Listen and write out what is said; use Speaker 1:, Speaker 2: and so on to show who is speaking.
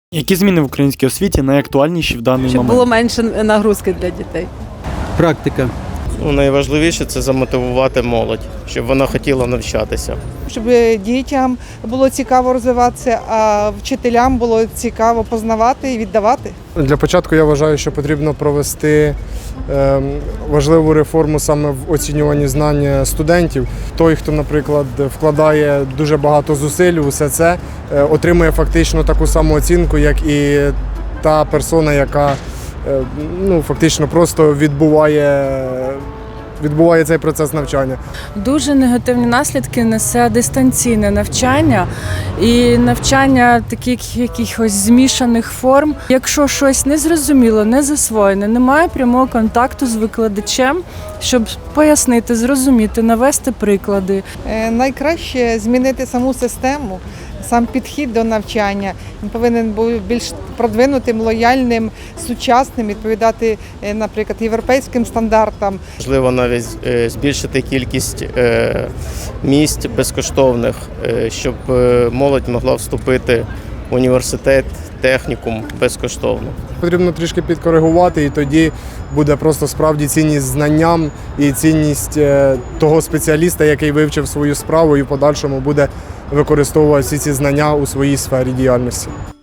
Speaker 1: Які зміни в українській освіті найактуальніші в даний
Speaker 2: Щоб
Speaker 1: момент?
Speaker 2: було менше нагрузки для дітей.
Speaker 3: Практика.
Speaker 4: Найважливіше це замотивувати молодь, щоб вона хотіла навчатися.
Speaker 5: Щоб дітям було цікаво розвиватися, а вчителям було цікаво познавати і віддавати.
Speaker 6: Для початку я вважаю, що потрібно провести важливу реформу саме в оцінюванні знань студентів. Той, хто, наприклад, вкладає дуже багато зусиль у все це, отримує фактично таку саму оцінку, як і та персона, яка фактично просто відбуває цей процес навчання.
Speaker 7: Дуже негативні наслідки несе дистанційне навчання і навчання таких якихось змішаних форм. Якщо щось незрозуміло, не засвоєне, немає прямого контакту з викладачем, щоб пояснити, зрозуміти, навести приклади.
Speaker 5: Найкраще змінити саму систему, сам підхід до навчання. Він повинен бути більш продвинутим, лояльним, сучасним, відповідати, наприклад, європейським стандартам.
Speaker 4: Можливо, навіть збільшити кількість місць безкоштовних, щоб молодь могла вступити в університет, технікум безкоштовно.
Speaker 6: Потрібно трішки підкоригувати, і тоді буде просто справді цінність знанням і цінність того спеціаліста, який вивчив свою справу і в подальшому буде використовувати всі ці знання у своїй сфері діяльності.